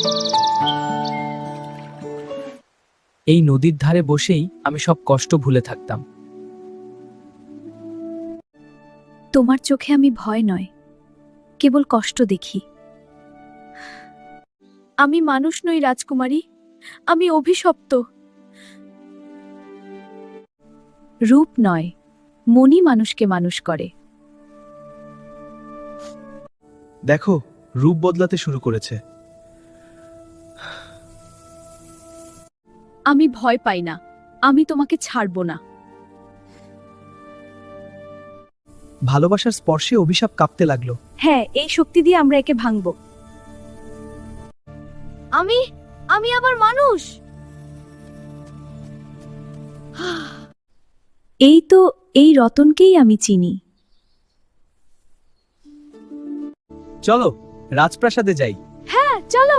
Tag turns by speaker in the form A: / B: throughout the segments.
A: এই নদীর ধারে বসেই আমি সব কষ্ট ভুলে থাকতাম।
B: তোমার চোখে আমি ভয় নয়, কেবল কষ্ট দেখি। আমি মানুষ নই রাজকুমারী, আমি অভিশপ্ত। রূপ নয়, মনই মানুষকে মানুষ করে।
C: দেখো, রূপ বদলাতে শুরু করেছে।
B: আমি ভয় পাই না, আমি তোমাকে ছাড়ব না।
C: ভালোবাসার স্পর্শে অভিশাপ কাঁপতে লাগলো।
B: হ্যাঁ, এই শক্তি দিয়ে আমরা একে ভাঙব। আমি আমি আবার মানুষ। এই তো, এই রতনকেই আমি চিনি।
C: চলো রাজপ্রাসাদে যাই।
B: হ্যাঁ, চলো।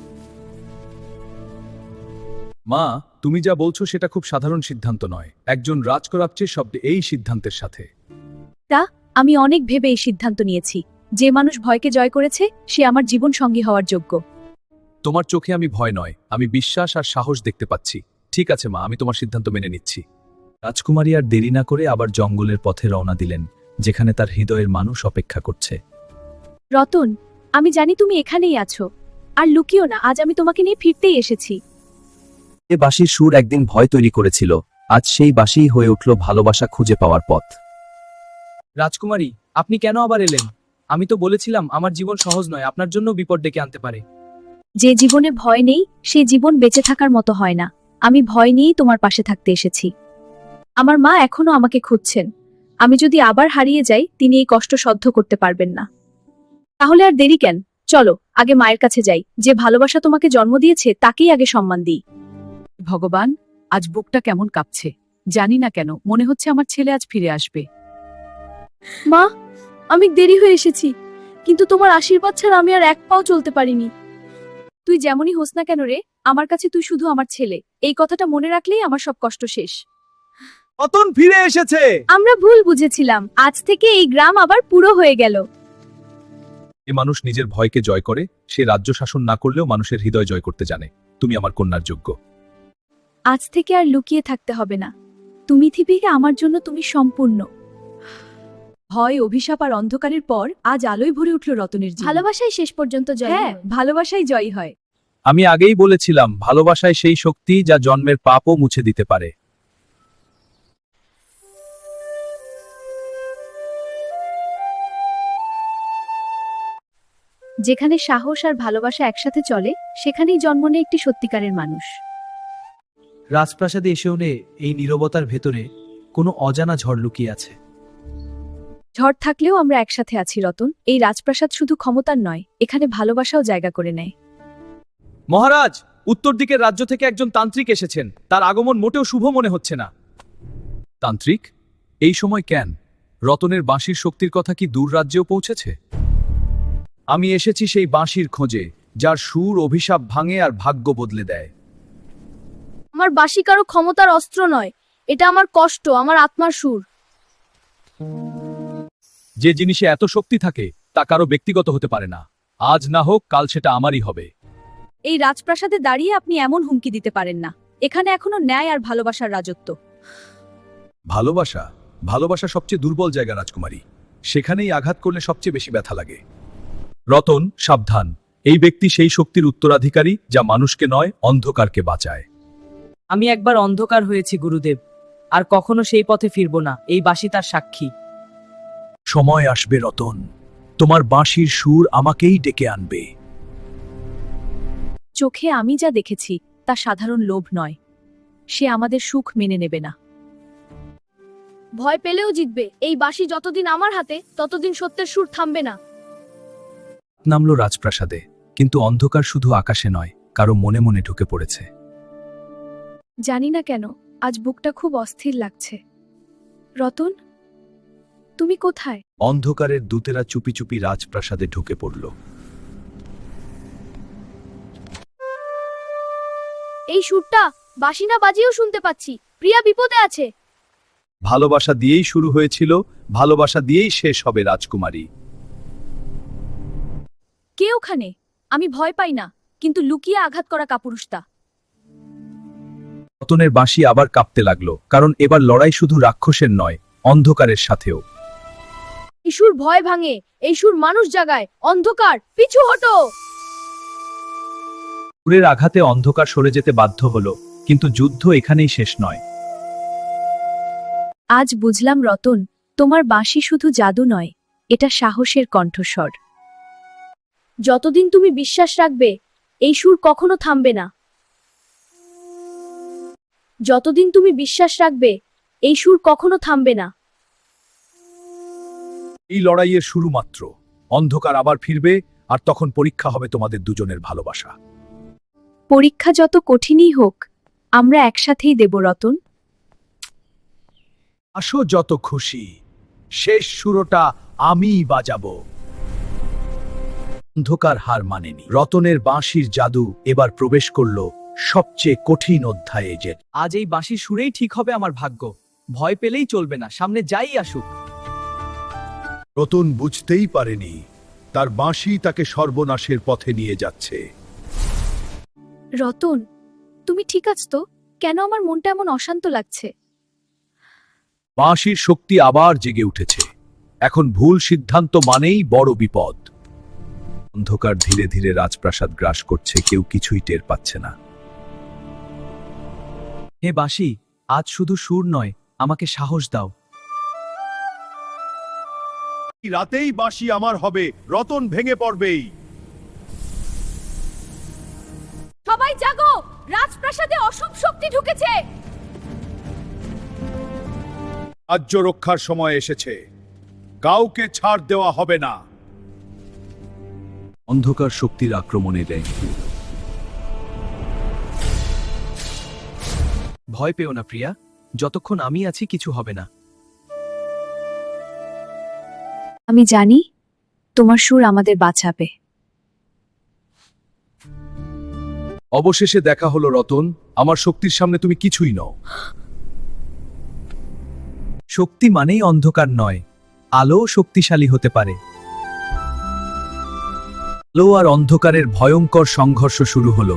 D: মা, তুমি যা বলছো সেটা খুব সাধারণ সিদ্ধান্ত নয়। একজন রাজকরাপচের শব্দে এই সিদ্ধান্তের সাথে।
B: আমি অনেক ভেবে এই সিদ্ধান্ত নিয়েছি। যে মানুষ ভয়কে জয় করেছে সে আমার জীবন সঙ্গী হওয়ার যোগ্য।
D: তোমার চোখে আমি ভয় নয়, আমি বিশ্বাস আর সাহস দেখতে পাচ্ছি। ঠিক আছে মা, আমি তোমার সিদ্ধান্ত মেনে নিচ্ছি।
C: রাজকুমারী আর দেরি না করে আবার জঙ্গলের পথে রওনা দিলেন, যেখানে তার হৃদয়ের মানুষ অপেক্ষা করছে।
B: রতন, আমি জানি তুমি এখানেই আছো। আর লুকিও না, আজ আমি তোমাকে নিয়ে ফিরতেই এসেছি।
C: এ বাঁশির সুর একদিন ভয় তৈরি করেছিল, আজ সেই বাঁশিই হয়ে উঠল ভালোবাসা খুঁজে পাওয়ার পথ।
A: রাজকুমারী, আপনি কেন আবার এলেন? আমি তো বলেছিলাম আমার জীবন সহজ নয়, আপনার জন্য বিপদ ডেকে আনতে পারে।
B: যে জীবনে ভয় নেই সে জীবন বেঁচে থাকার মতো হয় না। আমি ভয় নিয়েই তোমার পাশে থাকতে এসেছি। আমার মা এখনো আমাকে খুঁজছেন। আমি যদি আবার হারিয়ে যাই তিনি এই কষ্ট সহ্য করতে পারবেন না। তাহলে আর দেরি কেন, চলো আগে মায়ের কাছে যাই। যে ভালোবাসা তোমাকে জন্ম দিয়েছে তাকেই আগে সম্মান দিই।
E: ভগবান, আজ বুকটা কেমন কাঁপছে। জানি না কেন মনে হচ্ছে আমার ছেলে আজ ফিরে আসবে।
B: মা, আমি দেরি হয়ে এসেছি, কিন্তু তোমার আশীর্বাদ ছাড়া আমি আর এক পাও চলতে পারিনি। তুই যেমনই হোস না কেন রে, আমার কাছে তুই শুধু আমার ছেলে। এই কথাটা মনে রাখলেই আমার সব কষ্ট শেষ।
C: রতন ফিরে এসেছে।
B: আমরা ভুল বুঝেছিলাম, আজ থেকে এই গ্রাম আবার পুরো হয়ে গেল।
D: এ মানুষ নিজের ভয়কে জয় করে, সে রাজ্য শাসন না করলেও মানুষের হৃদয় জয় করতে জানে। তুমি আমার কন্যার যোগ্য।
B: আজ থেকে আর লুকিয়ে থাকতে হবে না। তুমি থিপিকে আমার জন্য তুমি সম্পূর্ণ।
E: ভয়, অভিশাপ আর অন্ধকারের পর আজ আলোয় ভরে উঠল রতনের জীবন।
B: ভালোবাসাই শেষ পর্যন্ত জয়।
E: হ্যাঁ, ভালোবাসাই জয়ী হয়।
D: আমি আগেই বলেছিলাম, ভালোবাসায় সেই শক্তি যা জন্মের পাপও মুছে দিতে পারে।
B: যেখানে সাহস আর ভালোবাসা একসাথে চলে সেখানেই জন্ম নেয় একটি সত্যিকারের মানুষ।
C: রাজপ্রাসাদে এসেও এই নীরবতার ভেতরে কোনো অজানা ঝড় লুকিয়ে আছে।
B: ঝড় থাকলেও আমরা একসাথে আছি রতন। এই রাজপ্রাসাদ শুধু ক্ষমতার নয়, এখানে ভালোবাসাও জায়গা করে নেয়।
D: মহারাজ, উত্তর দিকের রাজ্য থেকে একজন তান্ত্রিক এসেছেন। তার আগমন মোটেও শুভ মনে হচ্ছে না। তান্ত্রিক? এই সময় কেন? রতনের বাঁশির শক্তির কথা কি দূর রাজ্যেও পৌঁছেছে? আমি এসেছি সেই বাঁশির খোঁজে, যার সুর অভিশাপ ভাঙে আর ভাগ্য বদলে দেয়।
B: আমার বাঁশি কারো ক্ষমতার অস্ত্র নয়, এটা আমার কষ্ট, আমার আত্মার সুর।
D: যে জিনিসে এত শক্তি থাকে তা কারো ব্যক্তিগত হতে পারে না। আজ না হোক কাল সেটা আমারই হবে।
B: এই রাজপ্রাসাদে দাঁড়িয়ে আপনি এমন হুমকি দিতে পারেন না। এখানে এখনো ন্যায় আর ভালোবাসার রাজত্ব।
D: ভালোবাসা? ভালোবাসা সবচেয়ে দুর্বল জায়গা রাজকুমারী। সেখানেই আঘাত করলে সবচেয়ে বেশি ব্যথা লাগে। রতন, সাবধান। এই ব্যক্তি সেই শক্তির উত্তরাধিকারী যা মানুষকে নয়, অন্ধকারকে বাঁচায়।
A: আমি একবার অন্ধকার হয়েছি গুরুদেব, আর কখনো সেই পথে ফিরব না। এই বাঁশি তার সাক্ষী।
D: সময় আসবে রতন, তোমার বাঁশির সুর আমাকেই ডেকে আনবে।
B: চোখে আমি যা দেখেছি তা সাধারণ লোভ নয়। সে আমাদের সুখ মেনে নেবে না। ভয় পেলেও জিতবে। এই বাঁশি যতদিন আমার হাতে ততদিন সত্যের সুর থামবে না।
C: নামলো রাজপ্রাসাদে, কিন্তু অন্ধকার শুধু আকাশে নয়, কারো মনে মনে ঢুকে পড়েছে।
B: জানি না কেন আজ বুকটা খুব অস্থির লাগছে। রতন, তুমি কোথায়?
C: অন্ধকারের দূতেরা চুপি চুপি রাজপ্রাসাদে ঢুকে পড়ল।
B: এই সুরটা বাঁশি না বাজিয়েও শুনতে পাচ্ছি। প্রিয়া বিপদে আছে।
D: ভালোবাসা দিয়েই শুরু হয়েছিল, ভালোবাসা দিয়েই শেষ হবে রাজকুমারী।
B: কে ওখানে? আমি ভয় পাই না, কিন্তু লুকিয়ে আঘাত করা কাপুরুষতা।
C: রতনের বাঁশি আবার কাঁপতে লাগলো, কারণ এবার লড়াই শুধু রাক্ষসের নয়, অন্ধকারের সাথেও।
B: এই সুর ভয় ভাঙে, এই সুর মানুষ জাগায়। অন্ধকার, পিছু হটো।
C: সুরের আঘাতে অন্ধকার সরে যেতে বাধ্য হলো, কিন্তু যুদ্ধ এখানেই শেষ নয়।
B: আজ বুঝলাম রতন, তোমার বাঁশি শুধু জাদু নয়, এটা সাহসের কণ্ঠস্বর। যতদিন তুমি বিশ্বাস রাখবে, এই সুর কখনো থামবে না। যতদিন তুমি বিশ্বাস রাখবে, এই সুর কখনো থামবে না।
D: এই লড়াইয়ের শুরু মাত্র। অন্ধকার আবার ফিরবে, আর তখন পরীক্ষা হবে তোমাদের দুজনের ভালোবাসা।
B: পরীক্ষা যত কঠিনই হোক, আমরা একসাথেই দেব রতন।
D: আসো যত খুশি, শেষ সুরটা আমিই বাজাবো। অন্ধকার হার মানেনি। রতনের বাঁশির জাদু এবার প্রবেশ করলো সবচেয়ে কঠিন অধ্যায়ে। যে
A: আজ এই বাঁশির সুরেই ঠিক হবে আমার ভাগ্য। ভয় পেলেই চলবে না, সামনে যাই আসুক।
F: রতন বুঝতেই পারেনি তার বাঁশি তাকে সর্বনাশের পথে নিয়ে যাচ্ছে।
B: রতন, তুমি ঠিক আছো তো? কেন আমার মনটা এমন অশান্ত লাগছে?
D: বাঁশির শক্তি আবার জেগে উঠেছে। এখন ভুল সিদ্ধান্ত মানেই বড় বিপদ।
C: অন্ধকার ধীরে ধীরে রাজপ্রাসাদ গ্রাস করছে, কেউ কিছুই টের পাচ্ছে না।
A: হে বাঁশি, আজ শুধু সুর নয়, আমাকে সাহস দাও।
F: এই রাতেই বাঁশি আমার হবে, রতন ভেঙে পড়বেই।
B: সবাই জাগো, রাজপ্রাসাদে অশুভ শক্তি ঢুকেছে।
F: রাজ্য রক্ষার সময় এসেছে, কাউকে ছাড় দেওয়া হবে না।
C: অন্ধকার শক্তির আক্রমণে দেয়।
A: ভয় পেও না প্রিয়া, যতক্ষণ আমি আছি কিছু হবে না।
B: আমি জানি তোমার সুর আমাদের বাঁচাবে।
D: অবশেষে দেখা হলো রতন, আমার শক্তির সামনে তুমি কিছুই নও।
A: শক্তি মানেই অন্ধকার নয়, আলোও শক্তিশালী হতে পারে।
C: আলো আর অন্ধকারের ভয়ঙ্কর সংঘর্ষ শুরু হলো।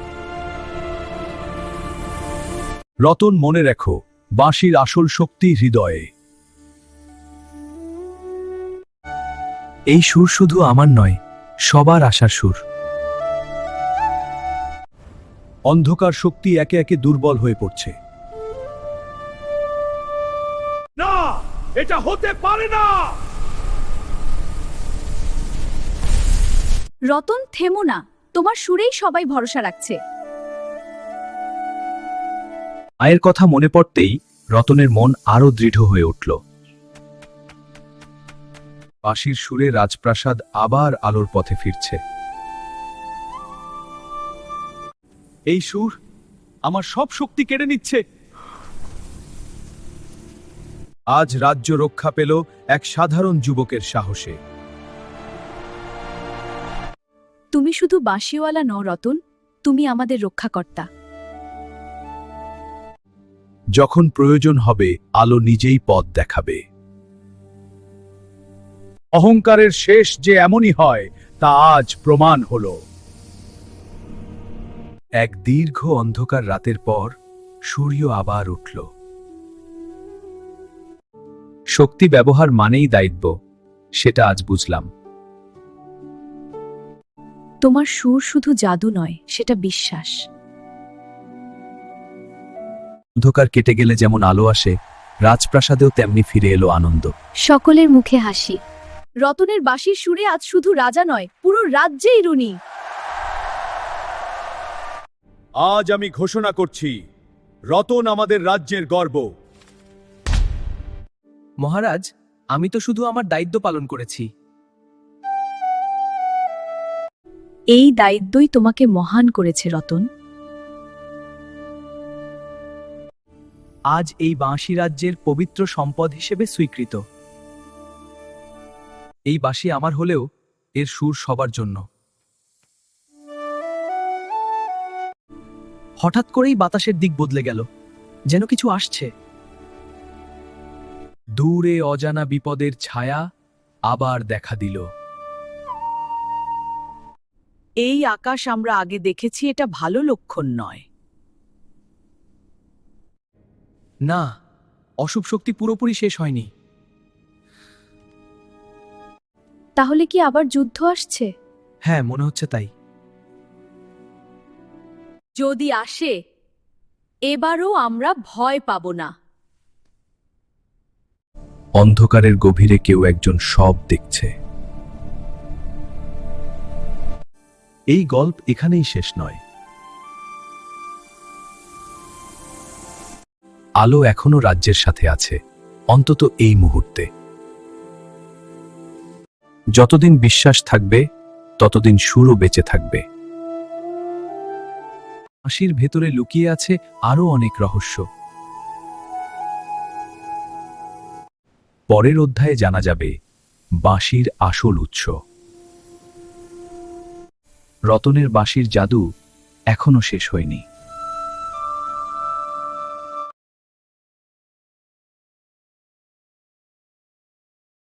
D: রতন, মনে রেখো, বাঁশির আসল শক্তি হৃদয়ে।
C: এই সুর শুধু আমার নয়, সবার আশার সুর।
D: অন্ধকার শক্তি একে একে দুর্বল হয়ে পড়ছে।
F: না, এটা হতে পারে না।
B: রতন, থেমো না, তোমার সুরেই সবাই ভরসা রাখছে।
C: মায়ের কথা মনে পড়তেই রতনের মন আরো দৃঢ় হয়ে উঠল।
D: বাঁশির সুরে রাজপ্রাসাদ আবার আলোর পথে ফিরছে। এই সুর আমার সব শক্তি কেড়ে নিচ্ছে। আজ রাজ্য রক্ষা পেল এক সাধারণ যুবকের সাহসে।
B: তুমি শুধু বাঁশিওয়ালা নও রতন, তুমি আমাদের রক্ষাকর্তা।
C: যখন প্রয়োজন হবে, আলো নিজেই পথ দেখাবে।
D: অহংকারের শেষ যে এমনই হয়, তা আজ প্রমাণ হলো।
C: এক দীর্ঘ অন্ধকার রাতের পর সূর্য আবার উঠল। শক্তি ব্যবহার মানেই দায়িত্ব, সেটা আজ বুঝলাম।
B: তোমার সুর শুধু জাদু নয়, সেটা বিশ্বাস।
C: অন্ধকার কেটে গেলে যেমন আলো আসে, রাজপ্রাসাদেও তেমনি ফিরে এলো আনন্দ।
B: সকলের মুখে হাসি। রতনের বাঁশির সুরে আজ শুধু রাজা নয়, পুরো রাজ্যেই রুনি।
F: আজ আমি ঘোষণা করছি, রতন আমাদের রাজ্যের গর্ব।
A: মহারাজ, আমি তো শুধু আমার দায়িত্ব পালন করেছি।
B: এই দায়িত্বই তোমাকে মহান করেছে রতন।
A: আজ এই বাঁশি রাজ্যের পবিত্র সম্পদ হিসেবে স্বীকৃত। এই বাঁশি আমার হলেও এর সুর সবার জন্য। হঠাৎ করেই বাতাসের দিক বদলে গেল, যেন কিছু আসছে।
D: দূরে অজানা বিপদের ছায়া আবার দেখা দিল।
E: এই আকাশ আমরা আগে দেখেছি, এটা ভালো লক্ষণ নয়।
A: না, অশুভ শক্তি পুরোপুরি শেষ হয়নি।
B: তাহলে কি আবার যুদ্ধ আসছে?
A: হ্যাঁ, মনে হচ্ছে তাই।
B: যদি আসে, এবারও আমরা ভয় পাব না।
C: অন্ধকারের গভীরে কেউ একজন সব দেখছে। এই গল্প এখানেই শেষ নয়। আলো এখনো রাজ্যের সাথে আছে, অন্তত এই মুহূর্তে। যতদিন বিশ্বাস থাকবে ততদিন সুরও বেঁচে থাকবে। বাঁশির ভেতরে লুকিয়ে আছে আরো অনেক রহস্য। পরের অধ্যায়ে জানা যাবে বাঁশির আসল উৎস। রতনের বাঁশির জাদু এখনো শেষ হয়নি।